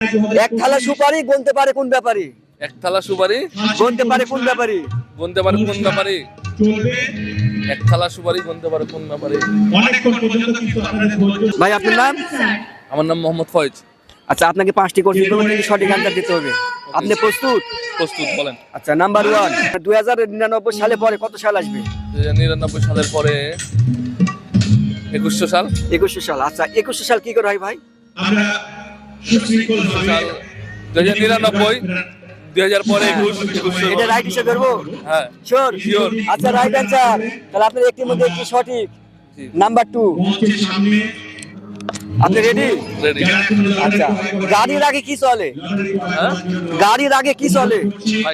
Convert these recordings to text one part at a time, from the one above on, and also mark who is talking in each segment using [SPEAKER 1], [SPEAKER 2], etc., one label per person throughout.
[SPEAKER 1] এক থালা সুপারি গুনতে পারে কোন ব্যাপারী?
[SPEAKER 2] এক থালা সুপারি
[SPEAKER 1] গুনতে পারে কোন ব্যাপারী?
[SPEAKER 2] গুনতে পারে কোন ব্যাপারে? এক থালা সুপারি গুনতে পারে কোন ব্যাপারে?
[SPEAKER 1] ভাই আপনার নাম?
[SPEAKER 2] আমার নাম মোহাম্মদ ফয়েজ।
[SPEAKER 1] আচ্ছা, আপনাকে 5টি কোশ্চেন করবো, কিন্তু সঠিক অ্যান্সার দিতে হবে। আপনি প্রস্তুত?
[SPEAKER 2] প্রস্তুত, বলেন।
[SPEAKER 1] আচ্ছা, নাম্বার 1, 2099 সালে পরে কত সাল আসবে?
[SPEAKER 2] 2099 সালের পরে 2100 সাল।
[SPEAKER 1] 2100 সাল। আচ্ছা, 2100 সাল কি করে হয় ভাই?
[SPEAKER 3] আমরা সুশৃঙ্খল
[SPEAKER 2] সাল 2099, 2000 পরে 2100।
[SPEAKER 1] এটা রাইট হিসেবে ধরবো?
[SPEAKER 2] হ্যাঁ,
[SPEAKER 1] শিওর?
[SPEAKER 2] Sure.
[SPEAKER 1] আচ্ছা, রাইট অ্যান্সার। তাহলে আপনার একটির মধ্যে একটি সঠিক।
[SPEAKER 2] জি।
[SPEAKER 1] নাম্বার 2,
[SPEAKER 3] মঞ্চের সামনে
[SPEAKER 1] আপনি রেডি?
[SPEAKER 2] রেডি।
[SPEAKER 1] আচ্ছা, গাড়ির আগে কি চলে?
[SPEAKER 2] হ্যাঁ
[SPEAKER 1] গাড়ির আগে কি চলে?
[SPEAKER 2] ভাই,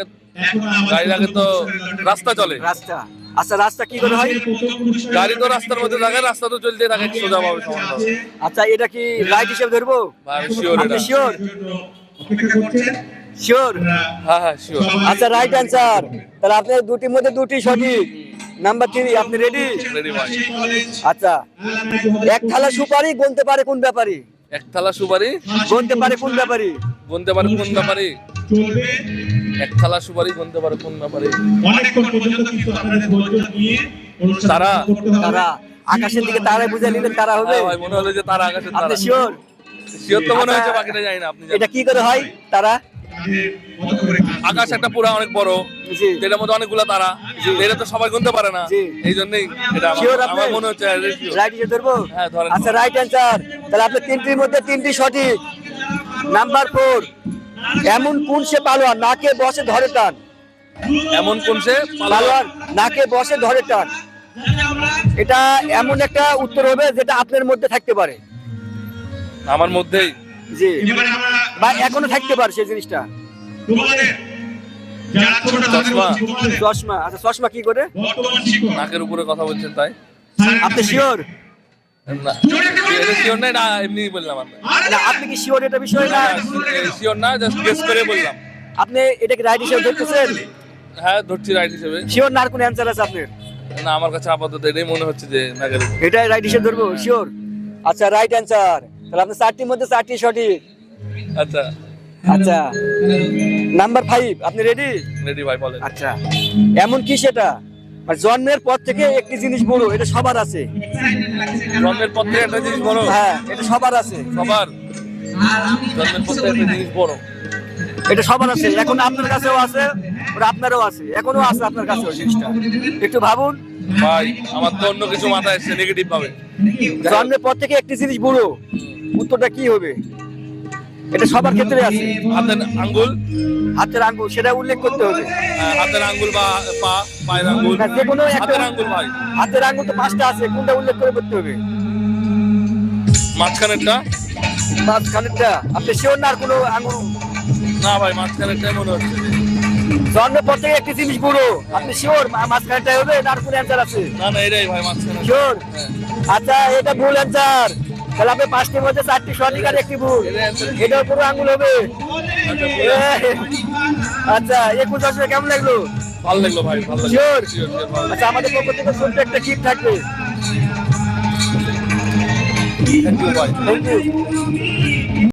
[SPEAKER 2] গাড়ির আগে তো রাস্তা চলে।
[SPEAKER 1] রাস্তা। আচ্ছা, রাস্তা কি করে হয়?
[SPEAKER 2] গাড়ি তো রাস্তার মধ্যে থাকে, রাস্তা তো চলতে থাকে সোজা ভাবে, সমানভাবে।
[SPEAKER 1] আচ্ছা, এটা কি রাইট হিসেবে ধরবো?
[SPEAKER 2] ভাই শিওর
[SPEAKER 1] আপনি
[SPEAKER 2] এটা?
[SPEAKER 1] শিওর?
[SPEAKER 3] অপেক্ষা করছেন।
[SPEAKER 1] শিওর?
[SPEAKER 2] হ্যাঁ হ্যাঁ শিওর।
[SPEAKER 1] আচ্ছা, রাইট অ্যান্সার। তাহলে আপনার দুটির মধ্যে দুটি সঠিক। নাম্বার 3, আপনি রেডি?
[SPEAKER 2] রেডি ভাই।
[SPEAKER 1] আচ্ছা, এক থালা সুপারি গুনতে পারে কোন ব্যাপারী?
[SPEAKER 2] এক থালা সুপারি
[SPEAKER 1] গুনতে পারে কোন ব্যাপারী?
[SPEAKER 2] গুনতে পারে কোন ব্যাপারে?
[SPEAKER 3] চলবে
[SPEAKER 2] এক থালা সুপারি গুনতে পারে কোন ব্যাপারে?
[SPEAKER 3] অনেকক্ষণ পর্যন্ত কিন্তু আপনাদের ধৈর্য নিয়ে অনুষ্ঠান
[SPEAKER 2] তারা?
[SPEAKER 3] করতে হবে।
[SPEAKER 1] তারা। আকাশের দিকে তারাই বুঝে নিলেন তারা হবে?
[SPEAKER 2] হ্যাঁ ভাই, মনে হলো যে তারা আকাশে তারা।
[SPEAKER 1] আপনি শিওর?
[SPEAKER 2] শিওর তো মনে হচ্ছে, বাকিটা জানি না। আপনি জানেন?
[SPEAKER 1] এটা কি করে হয় তারা?
[SPEAKER 3] তাদের মতো করে কাজ
[SPEAKER 2] আকাশ একটা পুরা অনেক বড়,
[SPEAKER 1] জি।
[SPEAKER 2] যেটার মধ্যে অনেকগুলো তারা, এটা তো সবাই গুনতে পারে না।
[SPEAKER 1] জি।
[SPEAKER 2] এই জন্যই এটা
[SPEAKER 1] শিওর আপনি?
[SPEAKER 2] আমার মনে হচ্ছে sure।
[SPEAKER 1] রাইট হিসেবে ধরবো?
[SPEAKER 2] হ্যাঁ, ধরেন।
[SPEAKER 1] আচ্ছা, রাইট অ্যান্সার। তাহলে আপনি তিনটির মধ্যে তিনটি সঠিক। নাম্বার 4, এমন কোন সে পালোয়ান নাকে বসে ধরে টান?
[SPEAKER 2] এমন কোন সে
[SPEAKER 1] পালোয়ান নাকে বসে ধরে টান। এটা এমন একটা উত্তর হবে যেটা আপনার মধ্যে থাকতে পারে।
[SPEAKER 2] আমার মধ্যেই?
[SPEAKER 1] জি,
[SPEAKER 3] এবারে আমরা
[SPEAKER 1] বা এখনো থাকতে পারে সেই জিনিসটা।
[SPEAKER 3] তোমাদের যারা ছোট
[SPEAKER 2] চশমা।
[SPEAKER 3] তোমাদের
[SPEAKER 1] চশমা। আচ্ছা, চশমা কি করে?
[SPEAKER 3] বর্তমান শিক্ষক
[SPEAKER 2] নাকের উপরে কথা বলছেন তাই?
[SPEAKER 1] আপনি শিওর?
[SPEAKER 2] না, এটা শিওর নাই, না এমনি বললাম।
[SPEAKER 1] না, আপনি কি শিওর এটা বিষয় না?
[SPEAKER 2] শিওর না, জাস্ট গেস করে বললাম।
[SPEAKER 1] আপনি এটাকে রাইট হিসেবে ধরতেছেন?
[SPEAKER 2] হ্যাঁ, ধরছি রাইট হিসেবে।
[SPEAKER 1] শিওর না আর কোন অ্যান্সার আছে আপনার?
[SPEAKER 2] না, আমার কাছে আপাতত এটাই মনে হচ্ছে যে নাকের উপরে।
[SPEAKER 1] এটাই রাইট হিসেবে ধরবো? শিওর? আচ্ছা, রাইট অ্যান্সার। তাহলে আপনি 4টির মধ্যে 4টি সঠিক।
[SPEAKER 2] আচ্ছা,
[SPEAKER 1] আচ্ছা, নাম্বার 5, আপনি রেডি?
[SPEAKER 2] রেডি ভাই, বলেন।
[SPEAKER 1] আচ্ছা, এমন কি সেটা মানে জন্মের পর থেকে একটি জিনিস বড়, এটা সবার আছে?
[SPEAKER 2] জন্মের পর থেকে একটা জিনিস বড়?
[SPEAKER 1] হ্যাঁ, এটা সবার আছে।
[SPEAKER 2] সবার জন্মের পর থেকে একটা জিনিস বড়?
[SPEAKER 1] এটা সবার আছে, এখন আপনার কাছেও আছে, ওটা আপনারও আছে, এখনো আছে আপনার কাছেও জিনিসটা। একটু ভাবুন।
[SPEAKER 2] ভাই, আমার তো অন্য কিছু মাথায় এসছে নেগেটিভ ভাবে।
[SPEAKER 1] জন্মের পর থেকে একটি জিনিস বড়, উত্তরটা কি হবে? এটা সবার ক্ষেত্রে আছে।
[SPEAKER 2] হাতের আঙ্গুল?
[SPEAKER 1] হাতের আঙ্গুল, সেটা উল্লেখ করতে হবে।
[SPEAKER 2] হ্যাঁ, হাতের আঙ্গুল বা পায়ের আঙ্গুল?
[SPEAKER 1] না, যে কোনো একটা।
[SPEAKER 2] হাতের আঙ্গুল ভাই।
[SPEAKER 1] হাতের আঙ্গুল তো 5টা আছে, কোনটা উল্লেখ করে করতে হবে?
[SPEAKER 2] মাঝখানেরটা?
[SPEAKER 1] মাঝখানেরটা। আপনি শিওর না আর কোনো আঙ্গুল?
[SPEAKER 2] না ভাই, মাঝখানেরটাই মনে হচ্ছে।
[SPEAKER 1] জন্মের পর থেকে একটি জিনিস বড়, আপনি শিওর মাঝখানেরটা হবে না আর কোনো অ্যান্সার আছে?
[SPEAKER 2] না না, এটাই ভাই, মাঝখানে।
[SPEAKER 1] শিওর?
[SPEAKER 2] হ্যাঁ।
[SPEAKER 1] আচ্ছা, এটা ভুল অ্যান্সার। তাহলে আপনি 5টির মধ্যে 4টি সঠিক আর একটি ভুল। এটাও পুরো আঙ্গুল হবে। আচ্ছা, 21 আসলে কেমন লাগলো?
[SPEAKER 2] ভালো লাগলো ভাই, ভালো লাগলো।
[SPEAKER 1] শিওর?
[SPEAKER 2] Sure, ভালো লাগলো।
[SPEAKER 1] আচ্ছা, আমাদের পক্ষ থেকে ছোট্ট একটা গিফট থাকবে।
[SPEAKER 2] Thank you ভাই।
[SPEAKER 1] Thank you.